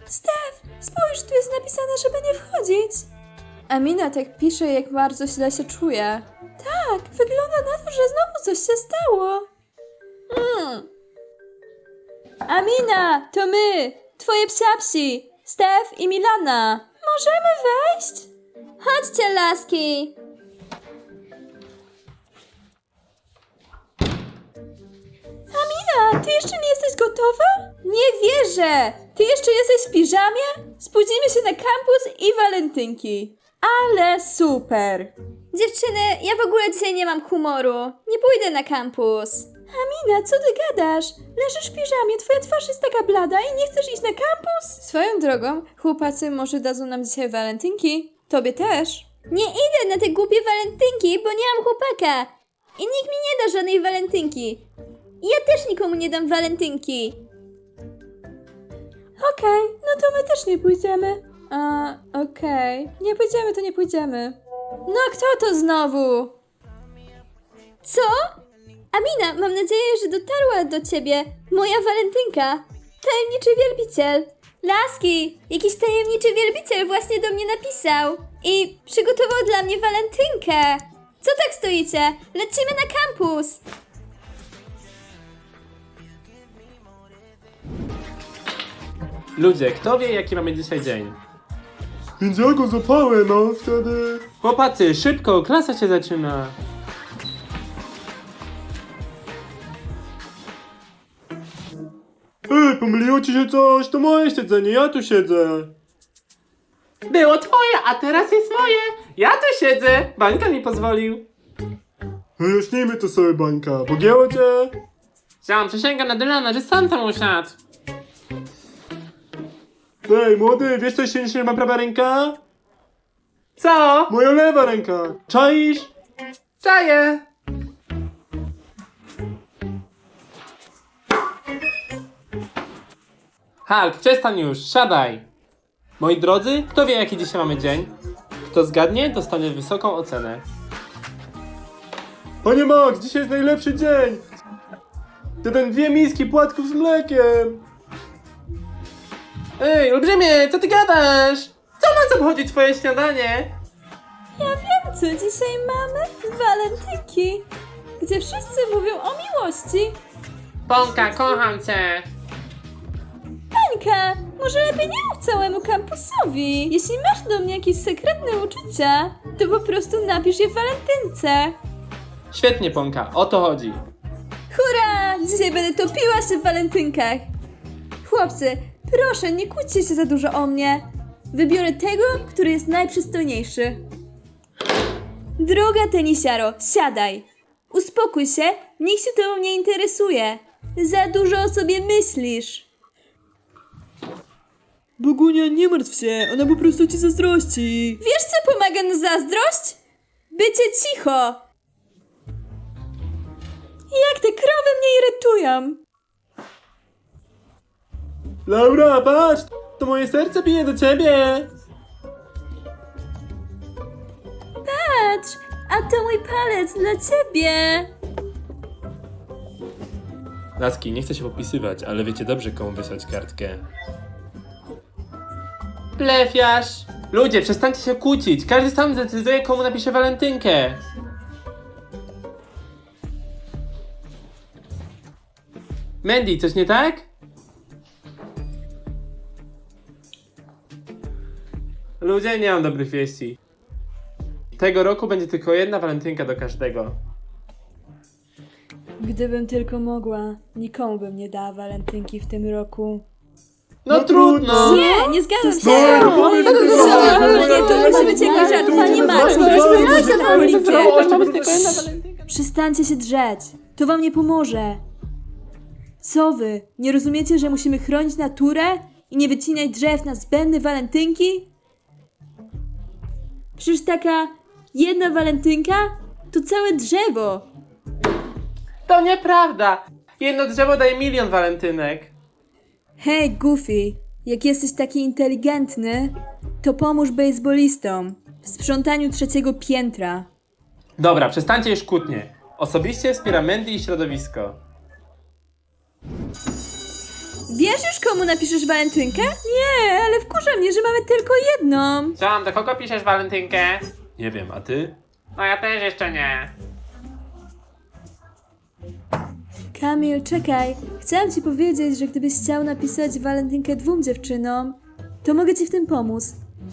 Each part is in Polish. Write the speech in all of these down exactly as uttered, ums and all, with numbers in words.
Stef, spójrz, tu jest napisane, żeby nie wchodzić. Amina tak pisze, jak bardzo źle się czuje. Tak, wygląda na to, że znowu coś się stało. Mm. Amina, to my, twoje psiapsi, Stef i Milana. Możemy wejść? Chodźcie, laski. Amina, ty jeszcze nie jesteś gotowa? Nie wierzę! Ty jeszcze jesteś w piżamie? Spóźnimy się na kampus i walentynki. Ale super! Dziewczyny, ja w ogóle dzisiaj nie mam humoru. Nie pójdę na kampus. Amina, co ty gadasz? Leżysz w piżamie, twoja twarz jest taka blada i nie chcesz iść na kampus? Swoją drogą, chłopacy może dadzą nam dzisiaj walentynki. Tobie też. Nie idę na te głupie walentynki, bo nie mam chłopaka. I nikt mi nie da żadnej walentynki. I ja też nikomu nie dam walentynki. Okej, okay, no to my też nie pójdziemy. A, okej. Okay. Nie pójdziemy, to nie pójdziemy. No kto to znowu? Co? Amina, mam nadzieję, że dotarła do ciebie moja walentynka. Tajemniczy wielbiciel. Laski, jakiś tajemniczy wielbiciel właśnie do mnie napisał. I przygotował dla mnie walentynkę. Co tak stoicie? Lecimy na kampus. Ludzie, kto wie, jaki mamy dzisiaj dzień? Więc ja go zapałem, no wtedy... Chłopacy, szybko, klasa się zaczyna. Ej, pomyliło ci się coś? To moje siedzenie, ja tu siedzę. Było twoje, a teraz jest moje. Ja tu siedzę. Bańka mi pozwolił. Wyjaśnijmy to sobie, Bańka. Pogięło cię? Chciałam przysięgam na Dylana, że sam tam usiadł. Ej, młody, wiesz co się nie ma prawa ręka? Co? Moja lewa ręka. Czaisz? Czaję. Hulk, przestań już, siadaj. Moi drodzy, kto wie, jaki dzisiaj mamy dzień? Kto zgadnie, dostanie wysoką ocenę. Panie Max, dzisiaj jest najlepszy dzień. Jeden dwie miski płatków z mlekiem. Ej, olbrzymie, co ty gadasz? Co nas obchodzi twoje śniadanie? Ja wiem, co dzisiaj mamy. Walentynki, gdzie wszyscy mówią o miłości. Ponka, kocham cię. Bańka, może lepiej nie mów całemu kampusowi. Jeśli masz do mnie jakieś sekretne uczucia, to po prostu napisz je w walentynce. Świetnie, Ponka, o to chodzi. Hurra! Dzisiaj będę topiła się w walentynkach. Chłopcy, proszę, nie kłóćcie się za dużo o mnie. Wybiorę tego, który jest najprzystojniejszy. Droga tenisiaro, siadaj. Uspokój się, nikt się tobą nie interesuje. Za dużo o sobie myślisz. Bogunia, nie martw się, ona po prostu ci zazdrości. Wiesz, co pomaga na zazdrość? Bycie cicho. Jak te krowy mnie irytują. Laura, patrz! To moje serce bije do ciebie. Patrz, a to mój palec dla ciebie. Laski, nie chcę się popisywać, ale wiecie dobrze, komu wysłać kartkę. Plefiarz! Ludzie, przestańcie się kłócić. Każdy sam zdecyduje, komu napisze walentynkę. Mandy, coś nie tak? Ludzie, nie mam dobrych wieści. Tego roku będzie tylko jedna walentynka do każdego. Gdybym tylko mogła, nikomu bym nie dała walentynki w tym roku. No, No trudno! trudno. Nie, nie zgadzam się. No, no, Nie, no, no, to no, nie, to musi być jakiś żart. Pani Max, Przestańcie się drzeć, to wam nie pomoże. Co wy, nie rozumiecie, że musimy chronić naturę i nie wycinać drzew na zbędne walentynki? Przecież taka jedna walentynka to całe drzewo. To nieprawda! Jedno drzewo daje milion walentynek. Hej, Goofy, jak jesteś taki inteligentny, to pomóż bejsbolistom w sprzątaniu trzeciego piętra. Dobra, przestańcie już kłótnie. Osobiście wspieram Mandy i środowisko. Wiesz już, komu napiszesz walentynkę? Nie, ale wkurza mnie, że mamy tylko jedną. Ziom, do kogo piszesz walentynkę? Nie wiem, a ty? No ja też jeszcze nie. Kamil, czekaj. Chciałam ci powiedzieć, że gdybyś chciał napisać walentynkę dwóm dziewczynom, to mogę ci w tym pomóc.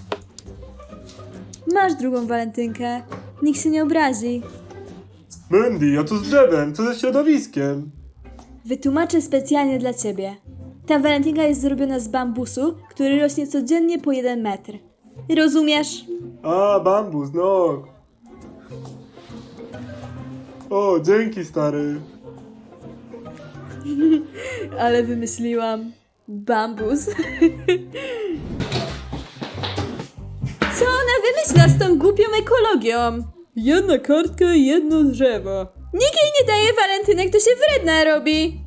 Masz drugą walentynkę. Nikt się nie obrazi. Mandy, a co z drzewem? Co ze środowiskiem? Wytłumaczę specjalnie dla ciebie. Ta walentynka jest zrobiona z bambusu, który rośnie codziennie po jeden metr. Rozumiesz? A, bambus, no. O, dzięki, stary. Ale wymyśliłam. Bambus. Co ona wymyśla z tą głupią ekologią? Jedna kartka, jedno drzewo. Nikt jej nie daje walentynek, to się wredna robi.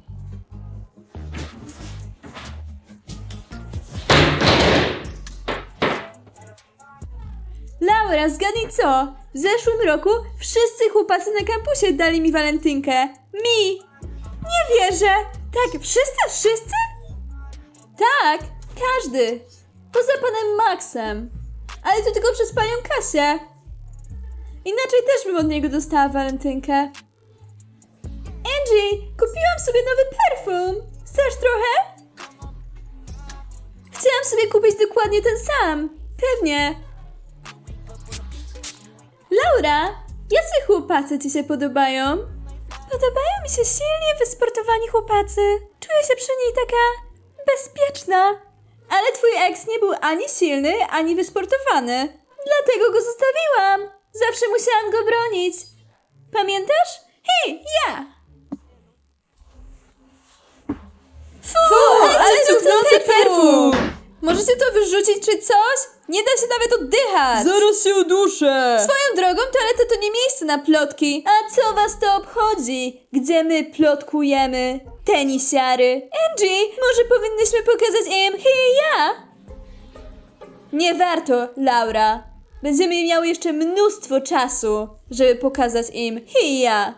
Laura, zgadnij co? W zeszłym roku wszyscy chłopacy na kampusie dali mi walentynkę. Mi! Nie wierzę! Tak, wszyscy, wszyscy? Tak, każdy. Poza panem Maxem. Ale to tylko przez panią Kasię. Inaczej też bym od niego dostała walentynkę. Angie, kupiłam sobie nowy perfum. Chcesz trochę? Chciałam sobie kupić dokładnie ten sam. Pewnie. Laura, jacy chłopacy ci się podobają? Podobają mi się silnie wysportowani chłopacy. Czuję się przy niej taka bezpieczna. Ale twój ex nie był ani silny, ani wysportowany. Dlatego go zostawiłam. Zawsze musiałam go bronić. Pamiętasz? Hej, ja! Fu, ale cuchnący perfum! Możecie to wyrzucić czy coś? Nie da się nawet oddychać! Zaraz się uduszę! Swoją drogą, toaleta to nie miejsce na plotki. A co was to obchodzi? Gdzie my plotkujemy? Tenisiary. Angie, może powinnyśmy pokazać im hej ja? Nie warto, Laura. Będziemy miały jeszcze mnóstwo czasu, żeby pokazać im hej ja.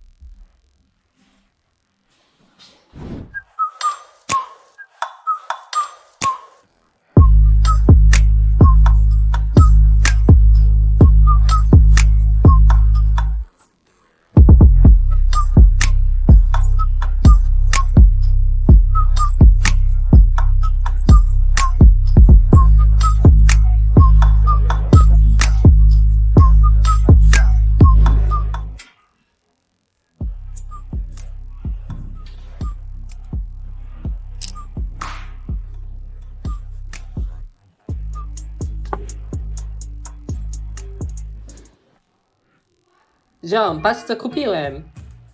Ziom, patrz co kupiłem.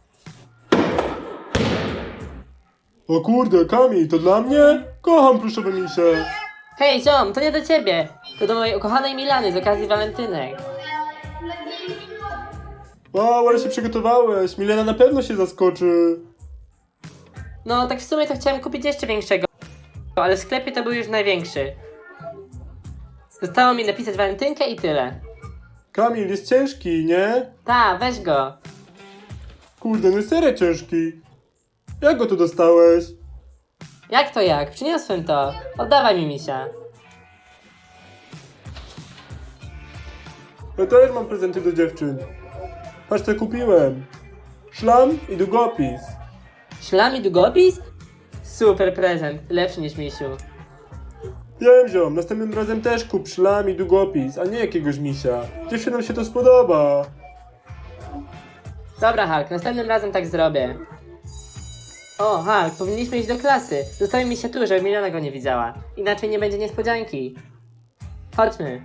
O kurde, Kamil, to dla mnie? Kocham pluszowe misie. Hej ziom, to nie do ciebie. To do mojej ukochanej Milany z okazji walentynek. Wow, ale się przygotowałeś. Milena na pewno się zaskoczy. No tak w sumie to chciałem kupić jeszcze większego, ale w sklepie to był już największy. Zostało mi napisać walentynkę i tyle. Kamil, jest ciężki, nie? Ta, weź go. Kurde, no jest serio ciężki. Jak go tu dostałeś? Jak to jak? Przyniosłem to. Oddawaj mi misia. Ja też mam prezenty do dziewczyn. Patrz co kupiłem. Szlam i długopis. Szlam i długopis? Super prezent, lepszy niż misiu. Wiem, ziom, następnym razem też kup szlam i długopis, a nie jakiegoś misia. Dziewczynom się to spodoba. Dobra Hulk, następnym razem tak zrobię. O Hulk, powinniśmy iść do klasy. Zostawi mi się tu, żeby Milana go nie widziała. Inaczej nie będzie niespodzianki. Chodźmy.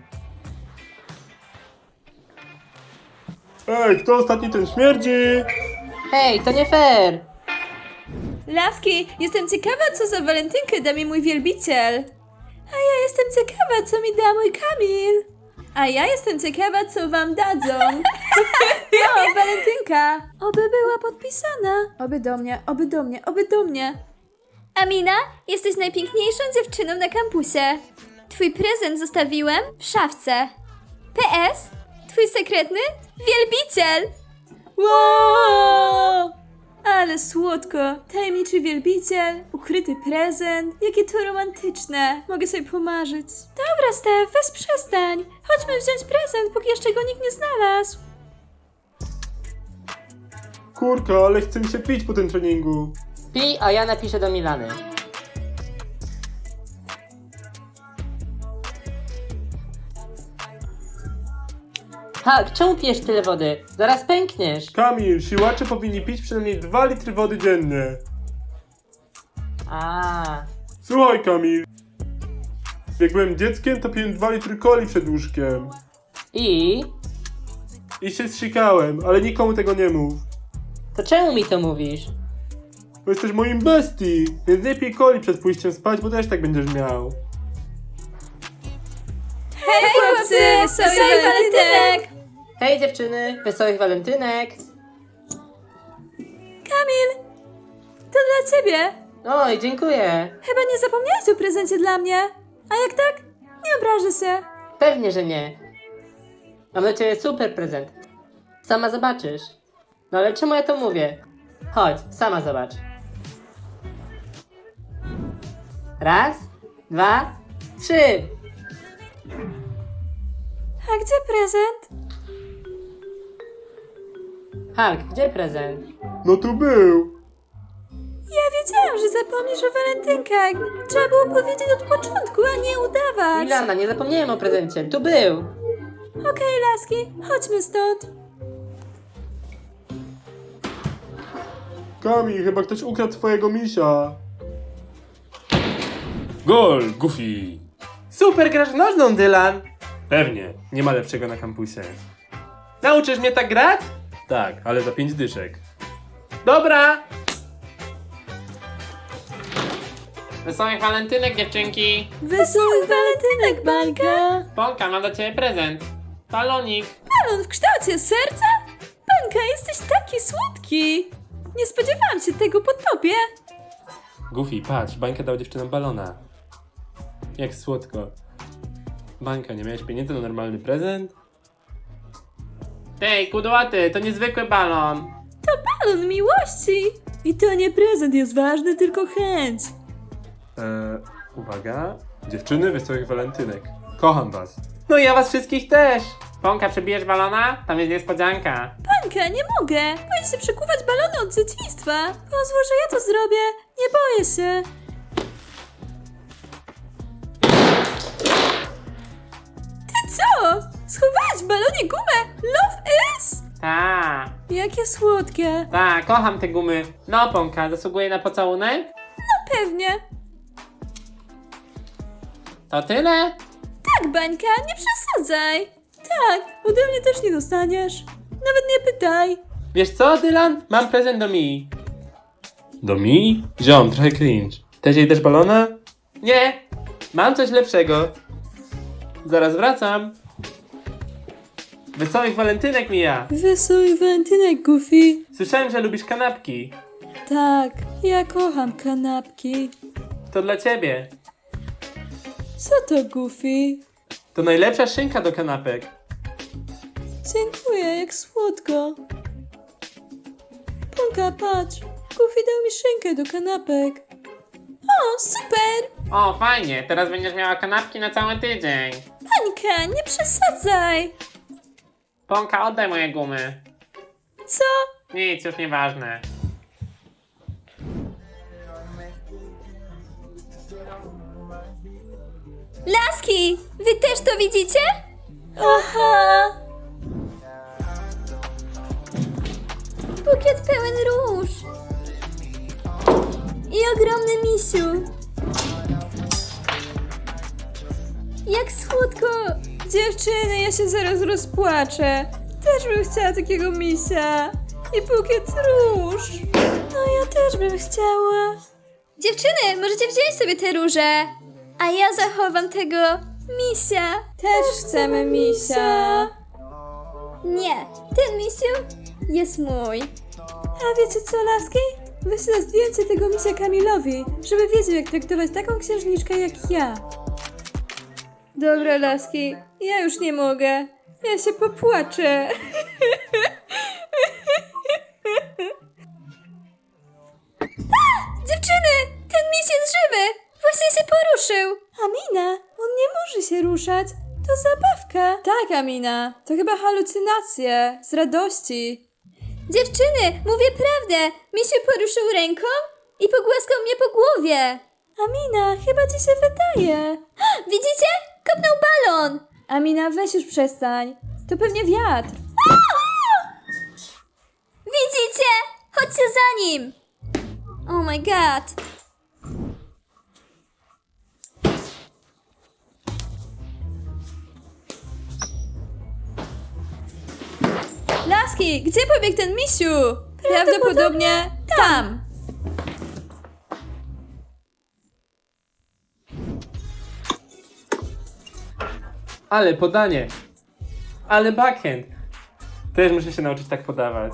Ej, kto ostatni ten śmierdzi? Hej, to nie fair! Laski, jestem ciekawa, co za walentynkę da mi mój wielbiciel. A ja jestem ciekawa, co mi da mój Kamil. A ja jestem ciekawa, co wam dadzą. No, walentynka. Oby była podpisana. Oby do mnie, oby do mnie, oby do mnie. Amina, jesteś najpiękniejszą dziewczyną na kampusie. Twój prezent zostawiłem w szafce. P S. Twój sekretny wielbiciel. Wow! Ale słodko. Tajemniczy wielbiciel, ukryty prezent. Jakie to romantyczne. Mogę sobie pomarzyć. Dobra, Stef, weź przestań. Chodźmy wziąć prezent, póki jeszcze go nikt nie znalazł. Kurka, ale chce mi się pić po tym treningu. Pij, a ja napiszę do Milany. Hulk, czemu pijesz tyle wody? Zaraz pękniesz. Kamil, siłacze powinni pić przynajmniej dwa litry wody dziennie. A, Słuchaj, Kamil. Jak byłem dzieckiem, to piłem dwa litry coli przed łóżkiem. i? I się zsikałem, ale nikomu tego nie mów. To czemu mi to mówisz? Bo jesteś moim bestii, więc nie pij coli przed pójściem spać, bo też tak będziesz miał. Hej chłopcy, wesoły walentynek! Hej dziewczyny, wesołych walentynek! Kamil, to dla ciebie. Oj, dziękuję. Chyba nie zapomniałeś o prezencie dla mnie. A jak tak? Nie obrażę się. Pewnie, że nie. Mam dla ciebie super prezent. Sama zobaczysz. No ale czemu ja to mówię? Chodź, sama zobacz. Raz, dwa, trzy. A gdzie prezent? Hulk, gdzie prezent? No tu był. Ja wiedziałam, że zapomnisz o walentynkach. Trzeba było powiedzieć od początku, a nie udawać. Milana, nie zapomniałem o prezencie. Tu był. Okej, laski, chodźmy stąd. Kamil, chyba ktoś ukradł twojego misia. Gol, Goofy! Super, grasz w nożną, Dylan! Pewnie, nie ma lepszego na kampusie. Nauczysz mnie tak grać? Tak, ale za pięć dyszek. Dobra! Wesołych walentynek, dziewczynki! Wesołych walentynek, bańka. Ponka, mam dla ciebie prezent. Balonik. Balon w kształcie serca? Bańka, jesteś taki słodki. Nie spodziewałam się tego po tobie. Goofy, patrz, Bańka dał dziewczynom balona. Jak słodko. Bańka, nie miałeś pieniędzy na normalny prezent? Tej, kudłaty, to niezwykły balon. To balon miłości. I to nie prezent jest ważny, tylko chęć. Eee, uwaga. Dziewczyny, wesołych walentynek. Kocham was. No i ja was wszystkich też. Ponka, przebijesz balona? Tam jest niespodzianka. Bańka, nie mogę. Boję się przekuwać balony od dzieciństwa. Pozwól, że ja to zrobię. Nie boję się. Ty co? Schowałeś w balonie gumę? Love is? Ta, Jakie słodkie. ta, kocham te gumy. No, Ponka, zasługuje na pocałunek? No pewnie. To tyle? Tak, Bańka, nie przesadzaj. Tak, ode mnie też nie dostaniesz. Nawet nie pytaj. Wiesz co, Dylan? Mam prezent do Mii. Do Mii? Ziom, trochę cringe. Też jej też balona? Nie, mam coś lepszego. Zaraz wracam. Wesołych walentynek, Mia. Wesoły walentynek, Goofy. Słyszałem, że lubisz kanapki. Tak, ja kocham kanapki. To dla ciebie. Co to, Goofy? To najlepsza szynka do kanapek. Dziękuję, jak słodko. Ponka, patrz. Goofy dał mi szynkę do kanapek. O, super! O, fajnie, teraz będziesz miała kanapki na cały tydzień. Bańka, nie przesadzaj. Ponka, oddaj moje gumy. Co? Nic, już nieważne. Laski, wy też to widzicie? Aha! Bukiet pełen róż. I ogromny misiu. Jak słodko. Dziewczyny, ja się zaraz rozpłaczę. Też bym chciała takiego misia. I bukiet róż. No ja też bym chciała. Dziewczyny, możecie wziąć sobie te róże. A ja zachowam tego misia. Też chcemy misia. Nie, ten misiu jest mój. A wiecie co, laski? Wyślę zdjęcie tego misia Kamilowi, żeby wiedział, jak traktować taką księżniczkę jak ja. Dobra, laski, ja już nie mogę. Ja się popłaczę. Dziewczyny, ten miś jest żywy! Właśnie się poruszył! Amina, on nie może się ruszać. To zabawka. Tak, Amina, to chyba halucynacje z radości. Dziewczyny, mówię prawdę. Mi się poruszył ręką i pogłaskał mnie po głowie. Amina, chyba ci się wydaje. Widzicie? Kopnął balon. Amina, weź już przestań. To pewnie wiatr. Widzicie? Chodźcie za nim. Oh my god. Laski, gdzie pobiegł ten misiu? Prawdopodobnie tam. Ale podanie. Ale backhand. Też muszę się nauczyć tak podawać.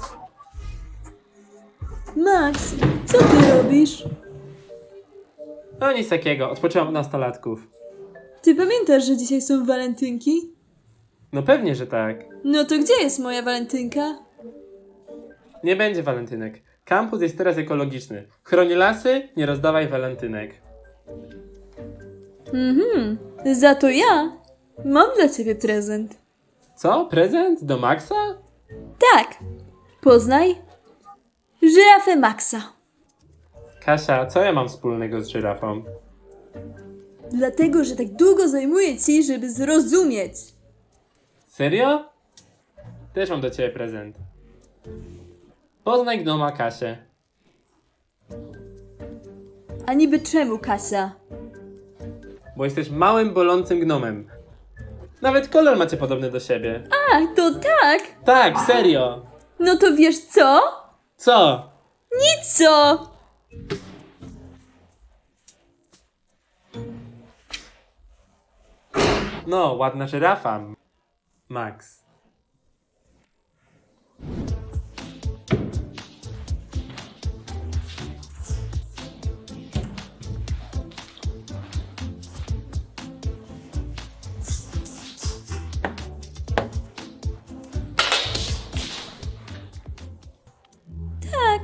Max, co ty robisz? No nic takiego, odpoczęłam od nastolatków. Ty pamiętasz, że dzisiaj są walentynki? No pewnie, że tak. No to gdzie jest moja walentynka? Nie będzie walentynek. Kampus jest teraz ekologiczny. Chroni lasy, nie rozdawaj walentynek. Mhm, za to ja mam dla ciebie prezent. Co? Prezent? Do Maxa? Tak, poznaj żyrafę Maxa. Kasia, co ja mam wspólnego z żyrafą? Dlatego, że tak długo zajmuje ci, żeby zrozumieć. Serio? Też mam do ciebie prezent. Poznaj gnoma Kasię. A niby czemu, Kasia? Bo jesteś małym, bolącym gnomem. Nawet kolor macie podobny do siebie. A, to tak? Tak, serio. No to wiesz co? Co? Nic co? No, ładna żyrafa. Max. Tak.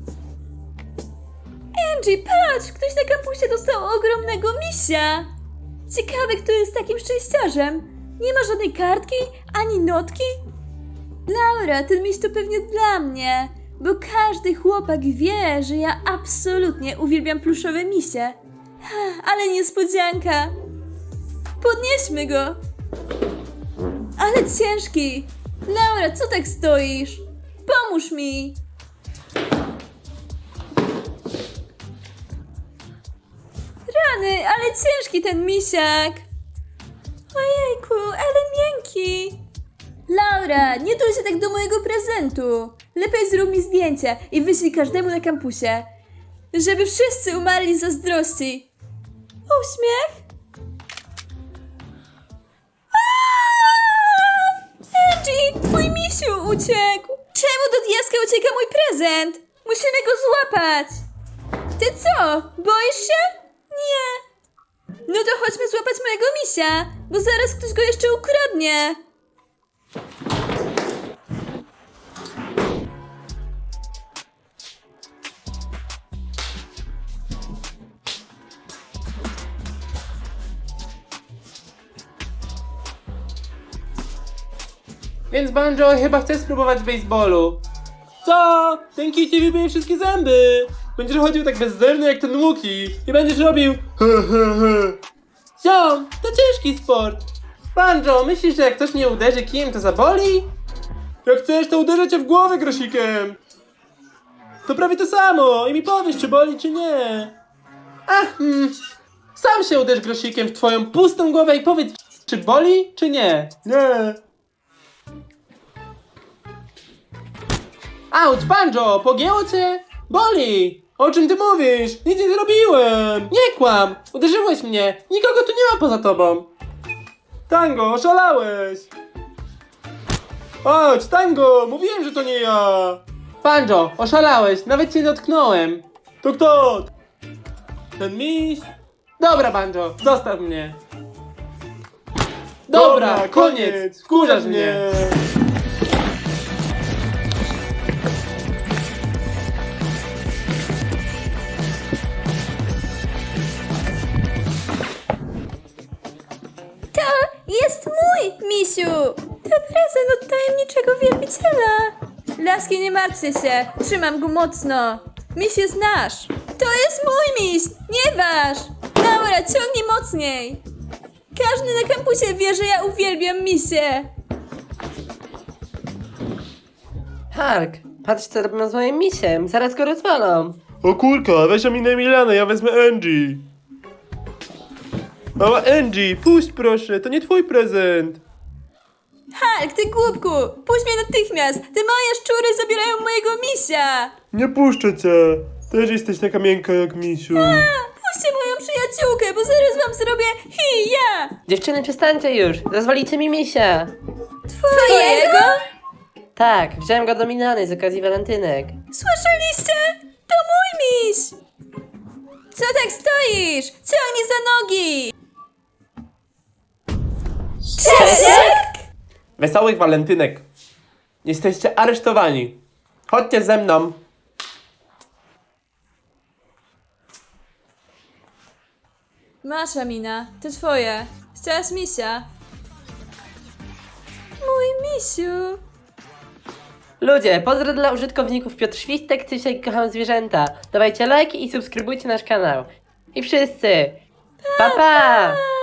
Angie, patrz! Ktoś na kampusie dostał ogromnego misia. Ciekawe, kto jest takim szczęściarzem. Nie ma żadnej kartki, ani notki. Laura, ten miś to pewnie dla mnie, bo każdy chłopak wie, że ja absolutnie uwielbiam pluszowe misie. Ale niespodzianka. Podnieśmy go. Ale ciężki. Laura, co tak stoisz? Pomóż mi. Rany, ale ciężki ten misiak. Ojejku, ale miękki. Laura, nie tuj się tak do mojego prezentu. Lepiej zrób mi zdjęcie i wyślij każdemu na kampusie. Żeby wszyscy umarli z zazdrości. Uśmiech? Aaaa! Angie, twój misiu uciekł. Czemu do diaska ucieka mój prezent? Musimy go złapać. Ty co, boisz się? Nie. No to chodźmy złapać mojego misia, bo zaraz ktoś go jeszcze ukradnie. Więc Banjo chyba chce spróbować w baseballu. Co? Ten Kitty wybije wszystkie zęby. Będziesz chodził tak bezderny jak ten Łuki i będziesz robił he he he. Ziom, to ciężki sport. Banjo, myślisz, że jak ktoś mnie uderzy kijem, to zaboli? Jak chcesz, to uderzę cię w głowę grosikiem. To prawie to samo i mi powiesz, czy boli, czy nie. Ach, hmm. Sam się uderz grosikiem w twoją pustą głowę i powiedz, czy boli, czy nie. Nie. Auć, Banjo, pogięło cię? Boli! O czym ty mówisz? Nic nie zrobiłem. Nie kłam! Uderzyłeś mnie! Nikogo tu nie ma poza tobą! Tango, oszalałeś. Chodź, Tango, mówiłem, że to nie ja. Banjo, oszalałeś! Nawet cię dotknąłem! To kto? Ten miś? Dobra, Banjo, zostaw mnie! Dobra, koniec! Wkurzasz mnie! mój, misiu! To prezent od tajemniczego wielbiciela. Laski, nie martwcie się, trzymam go mocno. Miś jest nasz. To jest mój miś, nie wasz. Dobra, ciągnij mocniej. Każdy na kampusie wie, że ja uwielbiam misie. Hark, patrz co robią z moim misiem, zaraz go rozwalą. O kurka, weź o minę Milana, ja wezmę Angie. Mała Angie, puść proszę, to nie twój prezent. Hulk, ty głupku, puść mnie natychmiast. Te moje szczury zabierają mojego misia. Nie puszczę cię. Też jesteś taka miękka jak misiu. Puśćcie moją przyjaciółkę, bo zaraz wam zrobię hi, ja. Dziewczyny, przestańcie już, rozwalicie mi misia. Twojego? Tak, wziąłem go do Milany z okazji walentynek. Słyszeliście? To mój miś. Co tak stoisz? Ciągnij za nogi. Czesiek? Wesołych walentynek. Jesteście aresztowani. Chodźcie ze mną. Masz, Amina, to twoje. Chciałaś misia. Mój misiu. Ludzie, pozdro dla użytkowników Piotr Świstek, Cysia i Kocham Zwierzęta. Dawajcie lajki i subskrybujcie nasz kanał. I wszyscy, pa pa!